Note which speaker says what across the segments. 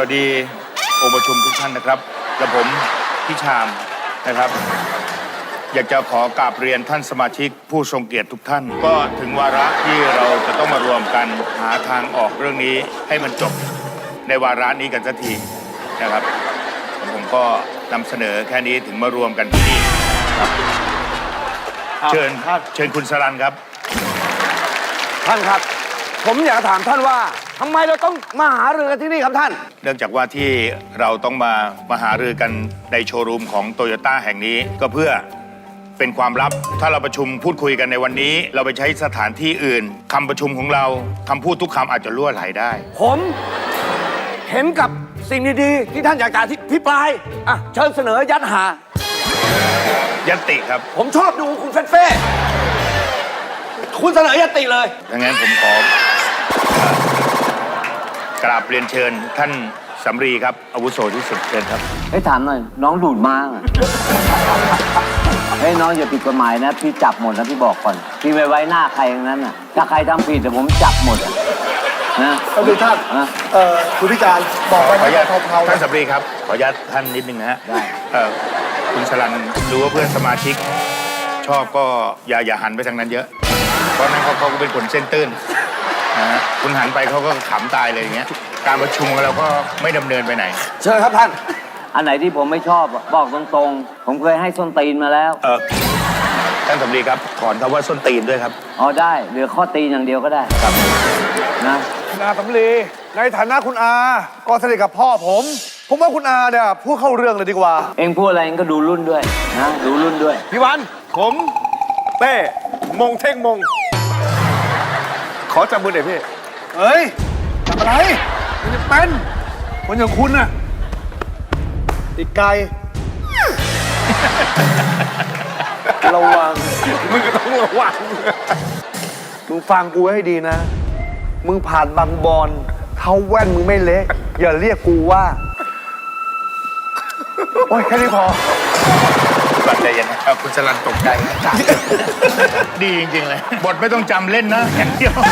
Speaker 1: วัสดีองค์ประชุมทุกท่านนะครับและผมพี่ชามนะครับอยากจะขอกราบเรียนท่านสมาชิกผู้ทรงเกียรติทุกท่านก็ถึงวาระที่เราจะต้องมารวมกันหาทางออกเรื่องนี้ให้มันจบในวาระนี้กันสักทีนะครับผมก็นำเสนอแค่นี้ถึงมารวมกันที่นี่ครับเชิญคุณสรัญครับ
Speaker 2: ท่านครับผมอยากถามท่านว่าทำไมเราต้องมาหารือกันที่นี่ครับท่าน
Speaker 1: เนื่องจากว่าที่เราต้องมาหารือกันในโชว์รูมของโตโยต้าแห่งนี้ก็เพื่อเป็นความลับถ้าเราประชุมพูดคุยกันในวันนี้เราไปใช้สถานที่อื่นคำประชุมของเราคำพูดทุกคำอาจจะล่วไหลได้
Speaker 2: ผมเห็นกับสิ่งดีๆที่ท่านอยากจะพิปรายอ่ะเชิญเสนอยัดหา
Speaker 1: ยัตติครับ
Speaker 2: ผมชอบดูคุณเฟ่คุณเสนอยัตติเลย
Speaker 1: ดังนั้นผมขอกราบเรียนเชิญท่านสำรีครับอาวุโสที่สุดเชิญครับ
Speaker 3: ให้ถามหน่อยน้องดูดมากให้น้องอย่าผิดกฎหมายนะพี่จับหมดนะพี่บอกก่อนพี่ไม่ไว้หน้าใครอย่างนั้นน่ะถ้าใครทำผิดแต่ผมจับหมดนะ
Speaker 4: ท่านท่านคุณพิจารณ์บอกไป
Speaker 1: ขออนุญาตท่านสำรีครับขออนุญาตท่านนิดนึงนะฮะ
Speaker 3: ได้
Speaker 1: คุณสรัญรู้ว่าเพื่อนสมาชิกชอบก็อย่าหันไปทางนั้นเยอะเพราะนั้นเขาก็เป็นคนเส้นตื้นนะฮะคุณหันไปเขาก็ขำตายเลยอย่างเงี้ยการประชุมของเราก็ไม่ดำเนินไปไหน
Speaker 2: เชิญครับท่าน
Speaker 3: อันไหนที่ผมไม่ชอบบอกตรงๆผมเคยให้ส้นตีนมาแล้ว
Speaker 1: ท่านสำรีครับถอนคำว่าส้นตีนด้วยครับ
Speaker 3: อ๋อได้เหลือข้อตีนอย่างเดียวก็ได้ครับนะ
Speaker 4: คุณอาสำลีในฐานะคุณอาก็สนิทกับพ่อผมว่าคุณอาเนี่ยพูดเข้าเรื่องเลยดีกว่า
Speaker 3: เองพูดอะไรเองก็ดูรุ่นด้วยนะดูรุ่นด้วย
Speaker 4: พี่วันผมเต้มงเท่งมงขอจับมือหน่อยพี่เฮ้ยจับอะไรมันจะเป็นคนอย่างคุณน่ะติดไกลระวังมึงก็ต้องระวังมึงฟังกูให้ดีนะมึงผ่านบางบอนเท้าแว่นมึงไม่เละอย่าเรียกกูว่าโอ้ยแค่นี้พอ
Speaker 1: บัดใจเย็นนะครับคุณสรัญตกใจดีจริงๆเลยบทไม่ต้องจำเล่นนะอย่างเดียว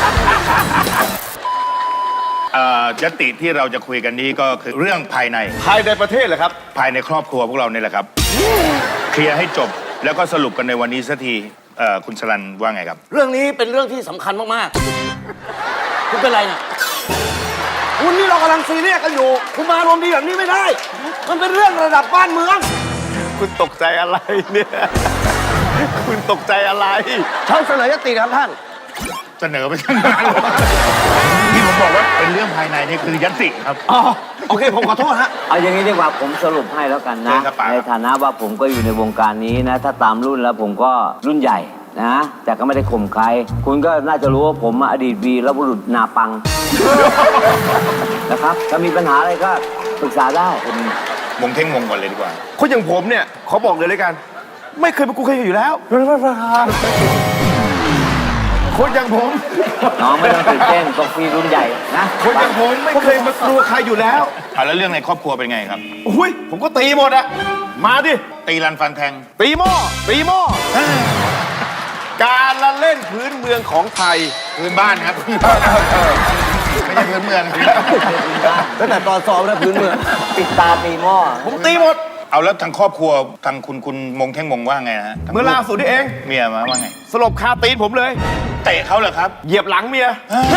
Speaker 1: ยัตติที่เราจะคุยกันนี้ก็คือเรื่องภายใน
Speaker 4: ประเทศเหรอครับ
Speaker 1: ภายในครอบครัวพวกเราเนี่ยแหละครับเคลียร์ให้จบแล้วก็สรุปกันในวันนี้สักทีคุณสรัญว่าไงครับ
Speaker 2: เรื่องนี้เป็นเรื่องที่สำคัญมากๆคุณเป็นไรเนี่ยคุณนี่เรากำลังซีเรียสกันอยู่คุณมารวมดีแบบนี้ไม่ได้มันเป็นเรื่องระดับบ้านเมือง
Speaker 4: คุณตกใจอะไรเนี่ยคุณตกใจอะไร
Speaker 2: ท่านเสนอยติครับท่าน
Speaker 1: เสนอไปทั้งนั้นที่ผมบอกว่าเป็นเรื่องภายในนี่คือยัตติครับ
Speaker 2: อ๋อโอเคผมขอโทษฮะ
Speaker 3: เอาอย่างนี้ดีกว่าผมสรุปให้แล้วกันนะในฐานะว่าผมก็อยู่ในวงการนี้นะถ้าตามรุ่นแล้วผมก็รุ่นใหญ่นะแต่ก็ไม่ได้ข่มใครคุณก็น่าจะรู้ว่าผมอดีตวีรบุรุษนาปังนะครับถ้ามีปัญหาอะไรก็ปรึกษาได้
Speaker 1: คุณมงเท่งมงก่อนเลยดีกว่า
Speaker 4: คนอย่างผมเนี่ยเขาบอกเลยกันไม่เคยเป็นกูเคยอยู่แล้วคนอย่างผม
Speaker 3: น้องไม่ต้องตื่นเต้นก็ฟีรุ่นใหญ่นะ
Speaker 4: คนอย่างผมไม่เคยมากลัวใครอยู่แล้ว
Speaker 1: แล้วเรื่องในครอบครัวเป็นไงครับ
Speaker 4: อุ้ยผมก็ตีหมดอะมาดิ
Speaker 1: ตีรันฟันแทง
Speaker 4: ตีหม้อการละเล่นพื้นเมืองของไทย
Speaker 1: พื้นบ้านครับไม่ใช่พื้นเมือง
Speaker 2: ตั้งแต่ตอนสอบแล้วพื้นเมือง
Speaker 3: ปิดตาตีหม้อ
Speaker 4: ผมตีหมด
Speaker 1: เอาแล้วทางครอบครัวทางคุณมงเท่งมงว่าไงฮะ
Speaker 4: เมื่อล่าสุดนี่เอง
Speaker 1: เมียมาว่าไง
Speaker 4: สลบคาตีนผมเลย
Speaker 1: เตะเขาเหรอครับ
Speaker 4: เหยียบหลังเมีย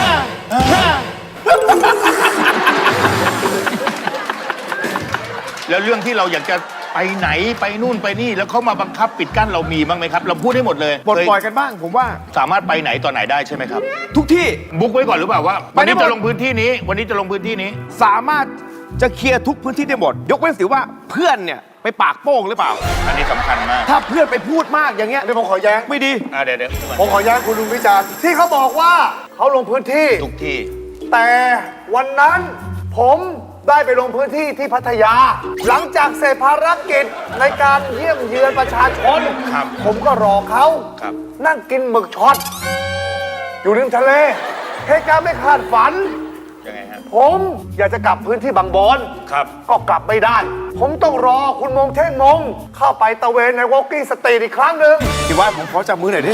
Speaker 1: แล้วเรื่องที่เราอยากจะไปไหนไปนู่นไปนี่แล้วเขามาบังคับปิดกั้นเรามีบ้างไหมครับเราพูดให้หมดเลย
Speaker 4: ปลดปล่อยกันบ้างผมว่า
Speaker 1: สามารถไปไหนต่อไหนได้ใช่ไหมครับ
Speaker 4: ทุกที่
Speaker 1: บุ๊กไว้ก่อนหรือเปล่าว่าวันนี้จะลงพื้นที่นี้วันนี้จะลงพื้นที่นี้
Speaker 4: สามารถจะเคลียร์ทุกพื้นที่ได้หมดยกเว้นสิว่าเพื่อนเนี่ยไปปากโป้งหรือเปล่า
Speaker 1: อันนี้สำคัญมาก
Speaker 4: ถ้าเพื่อนไปพูดมากอย่างเงี้ยเดี๋ยวผมขอแย้งไม่ดี
Speaker 1: เดี๋ยว
Speaker 4: ผมขอแย้งคุณลุงวิจารณ์ที่เขาบอกว่าเขาลงพื้นที่
Speaker 1: ทุกที่
Speaker 4: แต่วันนั้นผมได้ไปลงพื้นที่ที่พัทยาหลังจากเสร็จภารกิจในการเยี่ยมเยือนประชาชนผมก็รอเขานั่งกินหมึกช็อตอยู่ริมทะเลเหตุการณ์ไม่คาดฝัน
Speaker 1: ยังไงฮะ
Speaker 4: ผมอยากจะกลับพื้นที่บางบอนก็กลับไม่ได้ผมต้องรอคุณมงเท่งมงเข้าไปตะเวนในวอล์กกิ้งสตรีทอีกครั้งหนึ่งคิดว่าผมขอจับมือหน่อยดิ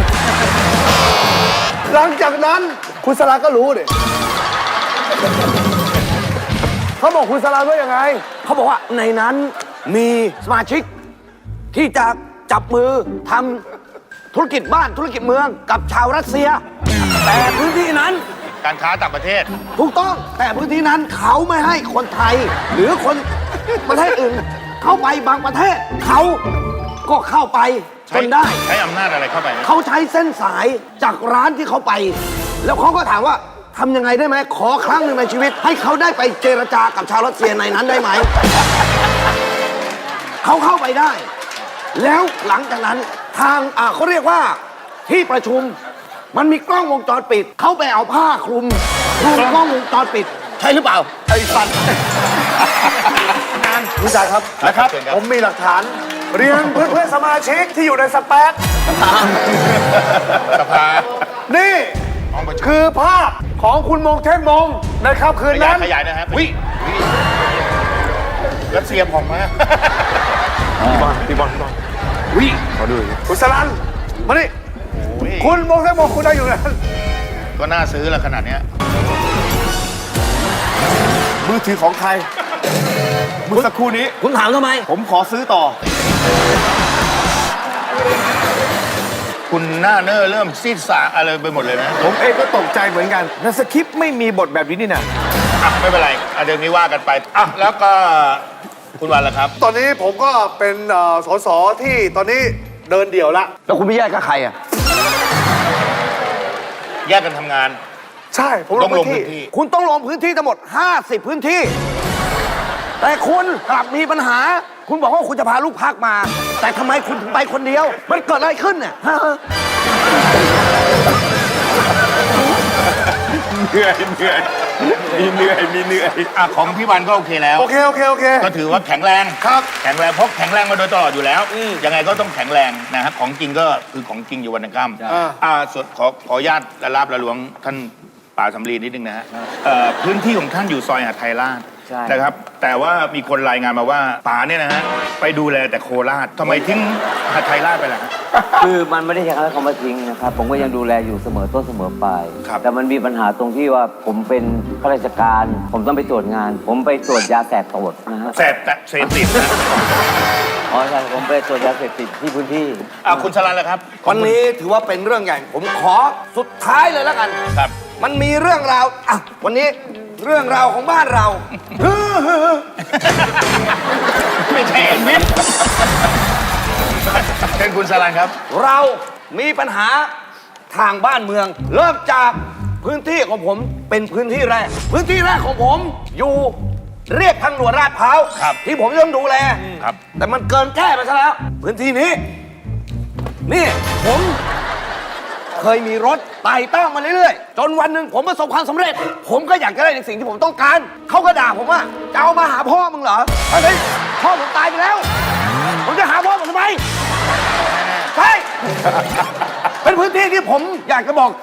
Speaker 4: หลังจากนั้นคุณสลาก็รู้ดิเขเขาบอกคุณสลานว่ายังไง
Speaker 2: เขาบอกว่าในนั้นมีสมาชิกที่จะจับมือทำธุรกิจบ้านธุรกิจเมืองกับชาวรัสเซีย แต่พื้นที่นั้น
Speaker 1: การค้าต่างประเทศ
Speaker 2: ถูกต้องแต่พื้นที่นั้นเขาไม่ให้คนไทย หรือคนประเทศอื่น เข้าไปบางประเทศ เขาก็เข้าไปจนได้
Speaker 1: ใช้อำนาจอะไรเข้าไป
Speaker 2: เขาใช้เส้นสายจากร้านที่เขาไป แล้วเขาก็ถามว่าทำยังไงได้ไหมขอครั้งหนึ่งในชีวิต ให้เขาได้ไปเจรจากับชาวรัสเซียในนั้นได้ไหม เขาเข้าไปได้ แล้วหลังจากนั้นทางเขาเรียกว่าที่ประชุมมันมีกล้องวงจรปิด เขาไปเอาผ้าคลุมกล้องวงจรปิด ใช่หรือเปล่า
Speaker 4: ไอ้สันคุณจ่ายครับ
Speaker 1: นะครับ
Speaker 4: ผมมีหลักฐาน เรียนเพื่อนๆสมาชิกที่อยู่ในสเปซ
Speaker 1: สภา
Speaker 4: นี่
Speaker 1: ห้องประชุม
Speaker 4: คือภาพของคุณมงเทพมงในค่ำคืน
Speaker 1: ขยา
Speaker 4: นั้
Speaker 1: ย
Speaker 4: น
Speaker 1: ขยายนะครับวิรัสเซียผ่องมาก
Speaker 4: พี่บอลวิขอดูคุณสลันมานี่
Speaker 1: โอ้ย
Speaker 4: คุณมงเทพมงคุณได้อยู่นั้น
Speaker 1: ก็น่าซื้อละขนาดเนี้ย
Speaker 4: มือถือของใครเมื่อสักครู่นี้
Speaker 2: คุณถามทำไม
Speaker 4: ผมขอซื้อต่อ
Speaker 1: คุณหน้าเน้อเริ่มซีดสาอะไรไปหมดเลยนะ
Speaker 4: ผมเองก็ตกใจเหมือนกันในสคริปต์ไม่มีบทแบบนี้นี่นะ
Speaker 1: อ่ะไม่เป็นไรอ่ะเดี๋ยวนี้ว่ากันไปอ่ะแล้วก็คุณวันล่ะครับ
Speaker 4: ตอนนี้ผมก็เป็นสสที่ตอนนี้เดินเดี่ยวละ
Speaker 2: แล้วคุณไม่แยกกับใครอ่ะ
Speaker 1: แยกกันทำงาน
Speaker 4: ใช่ผม
Speaker 1: ต้องลง
Speaker 4: พื้
Speaker 1: พื้
Speaker 4: น
Speaker 1: น
Speaker 4: ที่
Speaker 1: ที่
Speaker 2: คุณต้องลงพื้นที่ทั้งหมด 50 พื้นที่ แต่คุณกลับมีปัญหา คุณบอกว่าคุณจะพาลูกพักมา แต่ทำไมคุณถึงไปคนเดียว มันเกิดอะไรขึ้นเนี่ยฮะ
Speaker 1: เหนื่อยมีเหนื่อยอ่ะของพี่วันก็โอเคแล้ว
Speaker 4: โอเคโอเค
Speaker 1: ก็ถือว่าแข็งแรง
Speaker 4: ครับ
Speaker 1: แข็งแรงเพราะแข็งแรงมาโดยตลอดอยู่แล้วยังไงก็ต้องแข็งแรงนะครับของจริงก็คือของจริงอยู่วันนังค่ำส่วนขออนุญาตละลาบละหลวงท่านป่าสำลีนิดนึงนะฮะพื้นที่ของท่านอยู่ซอยหาดไทยราช
Speaker 3: ใช่
Speaker 1: นะครับ แต่ว่ามีคนรายงานมาว่าป่าเนี่ยนะฮะไปดูแลแต่โคราชทำไมทิ้งหาดไทยราชไปล่ะฮะ
Speaker 3: คือมันไม่ได้ใช้คำว่าเขามาทิ้งนะครับ ผมก็ยังดูแลอยู่เสมอต้นเสมอปลาย
Speaker 1: ครับ
Speaker 3: แต่มันมีปัญหาตรงที่ว่าผมเป็นข้าราชการ ผมต้องไปตรวจงาน ผมไปตรวจยาแสบตรวจนะฮะ
Speaker 1: แสบแต่เสพติดนะ
Speaker 3: อ๋อใช่ผมไปตรวจยาเสพติดที่พื้นที่
Speaker 1: คุณชลันล่ะครับ
Speaker 2: วันนี้ถือว่าเป็นเรื่องใหญ่ ผมขอสุดท้ายเลยแล้วกัน
Speaker 1: ครับ
Speaker 2: มันมีเรื่องราวอ่ะวันนี้เรื่องราวของบ้านเรา
Speaker 1: ไม่ใช่เอ็นวิทเชิญคุณชลันครับ
Speaker 2: เรามีปัญหาทางบ้านเมือง เริ่มจากพื้นที่ของผมเป็นพื้นที่แรก พื้นที่แรกของผมอยู่เรียกทางด่วนลาดพร้าว
Speaker 1: ครับ
Speaker 2: ที่ผมต้องดูแล
Speaker 1: ครับ
Speaker 2: แต่มันเกินแก้ไปซะแล้ว พื้นที่นี้ นี่ผมเคยมีรถไต่เต้ามาเรื่อยๆ จนวันหนึ่งผมประสบความสำเร็จ ผมก็อยากจะได้ในสิ่งที่ผมต้องการ เขาก็ด่าผมว่าจะเอามาหาพ่อมึงเหรอเฮ้ยพ่อผมตายไปแล้ว ผมจะหาพ่อผมทำไม ใช่ เป็นพื้นที่ที่ผมอยากจะบอก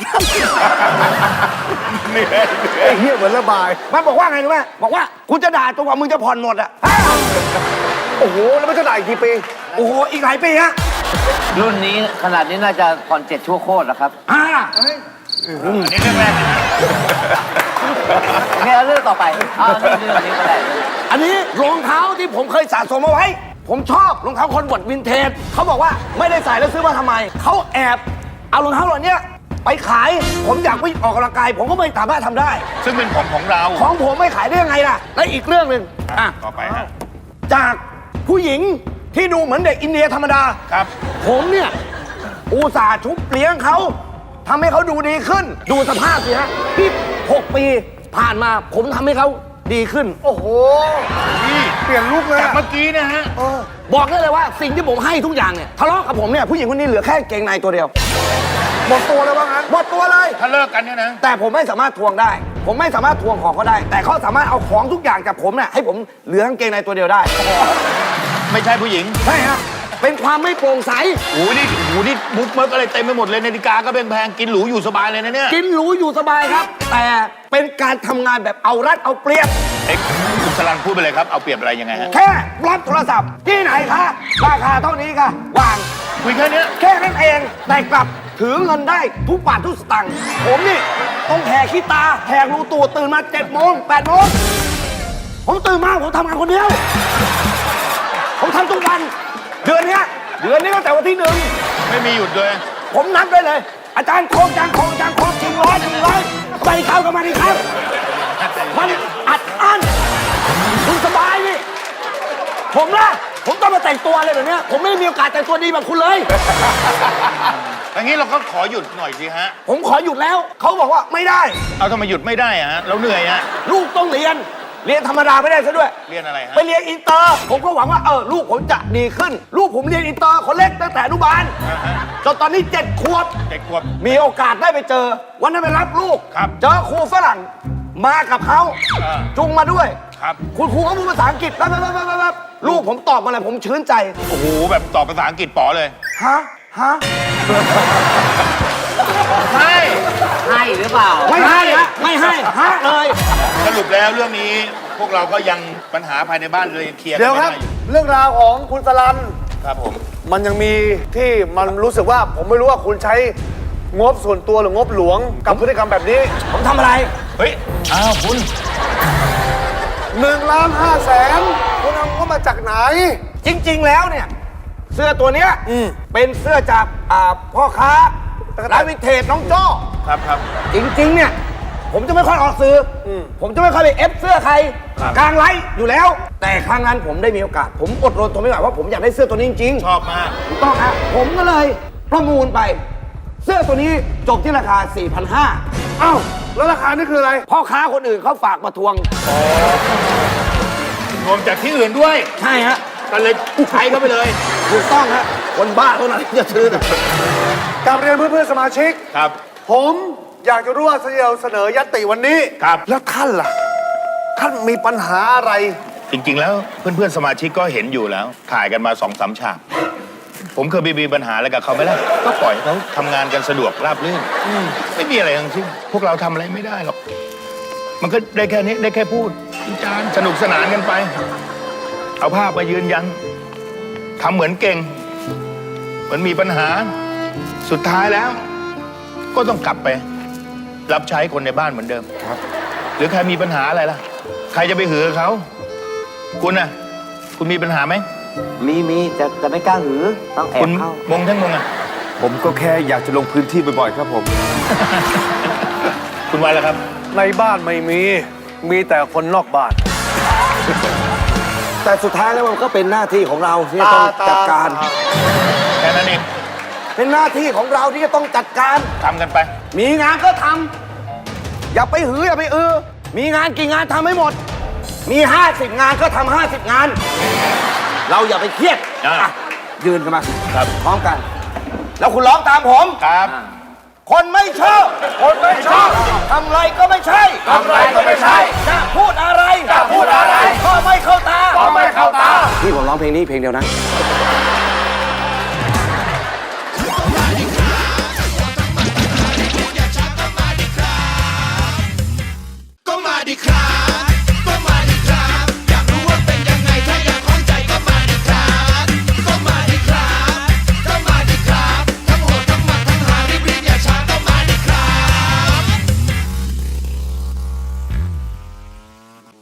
Speaker 4: ไอ้เหี้ยเหมือนระบาย
Speaker 2: มันบอกว่าไงรู้ไหมบอกว่ากูจะด่าจนกว่ามึงจะผ่อนหมดอ่ะ
Speaker 4: โอ้โห แล้วมันจะได้อีกกี่ปี
Speaker 2: โอ้โห อีกหลายปีฮะ
Speaker 3: รุ่นนี้ขนาดนี้น่าจะผ่อน7ชั่วโคตรแล้วครับ
Speaker 1: อันนี้เรื่องแรกนะ
Speaker 3: งั้นเอาเรื่องต่อไปเรื่องนี้ก็ได้
Speaker 2: อันนี้รองเท้าที่ผมเคยสะสมเอาไว้ ผมชอบรองเท้าคอนเวิร์ตวินเทจเขาบอกว่าไม่ได้ใส่แล้วซื้อมาทำไม เขาแอบเอารองเท้าเหล่านี้ไปขาย ผมอยากไปออกกำลังกาย ผมก็ไม่สามารถทำได้
Speaker 1: ซึ่งเป็นของเรา
Speaker 2: ของผมไม่ขายได้ยังไงล่ะ และอีกเรื่องหนึ่งอ่ะ
Speaker 1: ต่อไปฮะ
Speaker 2: จากผู้หญิงที่ดูเหมือนเด็กอินเดียธรรมดา
Speaker 1: ครับ
Speaker 2: ผมเนี่ยอุตส่าห์ชุบเลี้ยงเขาทำให้เขาดูดีขึ้น ดูสภาพสิฮะที่6 ปีผ่านมาผมทำให้เขาดีขึ้น
Speaker 4: โอ้โห
Speaker 1: พี่
Speaker 4: เปลี่ยนลุกเลย
Speaker 1: จาก
Speaker 4: อะ
Speaker 1: เมื่อกี้นะฮะ
Speaker 2: บอกได้เลยว่าสิ่งที่ผมให้ทุกอย่างเนี่ยทะเลาะกับผมเนี่ยผู้หญิงคนนี้เหลือแค่เกงในตัวเดียว
Speaker 4: หมดตัวแล้วว่างั้น
Speaker 2: หมดตัวเลย
Speaker 1: ถ้าเลิกกันเนี่ยนะ
Speaker 2: แต่ผมไม่สามารถทวงได้ ผมไม่สามารถทวงของเขาได้ แต่เขาสามารถเอาของทุกอย่างจากผมเนี่ยให้ผมเหลือกางเกงในตัวเดียวได้
Speaker 1: ไม่ใช่ผู้หญิง
Speaker 2: ใช่ฮะเป็นความไม่โปร่งใส
Speaker 1: โอ้โหนี่มุกเมิกอะไรเต็มไปหมดเลยนาฬิกาก็แพงๆกินหรูอยู่สบายเลยนะเนี่ย
Speaker 2: กินหรูอยู่สบายครับ แต่เป็นการทำงานแบบเอารัดเอาเปรียบ
Speaker 1: เอ็กซ์คุณสลันพูดไปเลยครับ เอาเปรียบอะไรยังไงฮะ
Speaker 2: แค่รับโทรศัพท์ที่ไหนคะราคาเท่านี้ค่ะวาง
Speaker 1: คุยแค่เนี้ย
Speaker 2: แค่นั้นเองแต่กลับถือเงินได้ทุกบาททุกสตางค์ผมนี่ต้องแหกขี้ตาแหกรูตูดตื่นมา7 โมง 8 โมงผมตื่นมาผมทำงานคนเดียว ผมทำทุกวัน เดือนนี้ตั้งแต่วันที่ 1
Speaker 1: ไม่มีหยุดเลย
Speaker 2: ผมนับได้เลย อาจารย์โคงจางโคงจางโคงจริงร้อยไปเข้ากันมาดิครับ มันอัดอั้นคุณสบายนี่ผมต้องมาแต่งตัวอะไรแบบเนี้ยผมไม่มีโอกาสแต่งตัวดีแบบคุณเลย
Speaker 1: อย่างนี้เราก็ขอหยุดหน่อยสิฮะ
Speaker 2: ผมขอหยุดแล้ว เขาบอกว่าไม่ได้
Speaker 1: เอาทำไมหยุดไม่ได้อะฮะ เราเหนื่อยฮะ
Speaker 2: ลูกต้องเรียนธรรมดาไม่ได้ซะด้วย
Speaker 1: เรียนอะไรฮะ
Speaker 2: ไปเรียนอินเตอร์ ผมก็หวังว่าลูกผมจะดีขึ้น ลูกผมเรียนอินเตอร์คนเล็กตั้งแต่อนุบาลจนตอนนี้7 ขวบ
Speaker 1: 7 ขวบ
Speaker 2: มีโอกาสได้ไปเจอ วันนั้นไปรับลูก
Speaker 1: ครับ
Speaker 2: เจอครูฝรั่งมากับเขา
Speaker 1: อ่า
Speaker 2: จุงมาด้วย
Speaker 1: ครับ
Speaker 2: คุณครูเขาพูดภาษาอังกฤษแบบลูกผมตอบมาอะไรผมชื่นใจ
Speaker 1: โอ้โห แบบตอบภาษาอังกฤษป๋อเลย
Speaker 2: ฮะ
Speaker 1: ใช่
Speaker 3: ให้หรือเปล่า
Speaker 2: ไม่ให้ฮะไม่ให้ฮะเลย
Speaker 1: สรุปแล้วเรื่องนี้พวกเราก็ยังปัญหาภายในบ้านเลยเคลียร์กั
Speaker 4: เดี๋ย
Speaker 1: น
Speaker 4: ว
Speaker 1: ไม่
Speaker 4: ครับ
Speaker 1: ได้อยู่
Speaker 4: เรื่องราวของคุณสลัน
Speaker 1: ครับผม
Speaker 4: มันยังมีที่มันรู้สึกว่าผมไม่รู้ว่าคุณใช้งบส่วนตัวหรืองบหลวงกับพฤติกรรมแบบนี้
Speaker 2: ผมทำอะไร
Speaker 1: เฮ้ย อ้าวคุณ
Speaker 4: 1,500,000คุณเอางบมาจากไหน
Speaker 2: จริง ๆ แล้วเนี่ย เสื้อตัวเนี้ยเป็นเสื้อจากพ่อค้าร้านวินเทจน้องโจ้
Speaker 1: ครับครับ
Speaker 2: จริง ๆ เนี่ย ผมจะไม่ค่อยออกสื่ออผมจะไม่ค่อยไปเอฟเสื้อใคร
Speaker 1: ครับ
Speaker 2: กลางไลฟ์อยู่แล้ว แต่ครั้งนั้นผมได้มีโอกาส ผมอดรนทนไม่ไหวว่าผมอยากได้เสื้อตัวนี้จริง
Speaker 1: ชอบมาก
Speaker 2: ถูกต้องครับผมก็เลยประมูลไป เสื้อตัวนี้จบที่ราคา 4,500
Speaker 4: เอ้า แล้วราคานี่คืออะไร
Speaker 2: พ่อค้าคนอื่นเขาฝากมาทวง
Speaker 1: รวมจากที่อื่นด้วย
Speaker 2: ใช่ฮะ
Speaker 1: ก็เลยใช้เข้าไปเลย
Speaker 2: ถูกต้องฮะคนบ้าเท่านั้นที่จะซื้อนะ
Speaker 4: กับเรียนเพื่อนๆสมาชิก
Speaker 1: ครับ
Speaker 4: ผมอยากจะรู้ว่าเราเสนอยัตติวันนี้
Speaker 1: ครับ
Speaker 4: แล้วท่านล่ะ ท่านมีปัญหาอะไร
Speaker 1: จริง ๆ แล้วเพื่อนๆสมาชิกก็เห็นอยู่แล้ว ถ่ายกันมา2-3 ฉาก ผมเคยมีปัญหาอะไรกับเขาไหมล่ะ ก็ปล่อยให้เขาทำงานกันสะดวกราบรื่นไม่มีอะไรทั้งสิ้นพวกเราทำอะไรไม่ได้หรอก มันก็ได้แค่นี้ได้แค่พูดวิจารณ์สนุกสนานกันไป เอาภาพมายืนยันทำเหมือนเก่งเหมือนมีปัญหาสุดท้ายแล้ว ก็ต้องกลับไป รับใช้คนในบ้านเหมือนเดิมครับ หรือใครมีปัญหาอะไรล่ะ ใครจะไปหือเขาคุณน่ะ คุณมีปัญหาไหม
Speaker 3: มีแต่ไม่กล้าหือ ต้องแอ
Speaker 1: คุ
Speaker 3: บ
Speaker 1: ณ
Speaker 3: เข้า
Speaker 1: มงทั้งมงอ่ะ
Speaker 5: ผมก็แค่อยากจะลงพื้นที่บ่อยๆครับผม
Speaker 1: คุณวันแล้วครับ
Speaker 4: ในบ้านไม่มี มีแต่คนนอกบ้าน
Speaker 2: แต่สุดท้ายแล้วมันก็เป็นหน้าที่ของเราที่จะต้องจัดการ
Speaker 1: แค่นั้นเอง
Speaker 2: เป็นหน้าที่ของเราที่จะต้องจัดการ
Speaker 1: ทำกันไป
Speaker 2: มีงานก็ทำอย่าไปหืออย่าไปมีงานกี่งานทำให้หมด มี 50 งานก็ทำ50 งาน เราอย่าไปเครียด
Speaker 1: อ่ะ
Speaker 2: อ่ะยืนกันมา
Speaker 1: ครับ
Speaker 2: พร้อมกัน แล้วคุณร้องตามผม
Speaker 1: ครับ
Speaker 2: คนไม่ชอบ คนไม่ชอบทำไรก็ไม่ใช่
Speaker 4: ทำไรก็ไม่ใช่
Speaker 2: จะพูดอะไร
Speaker 4: จะพูดอะไร
Speaker 2: ก็ไม่เข้าตา
Speaker 4: ก็ไม่เข้าตา
Speaker 2: พี่ผมร้องเพลงนี้เพลงเดียวนะ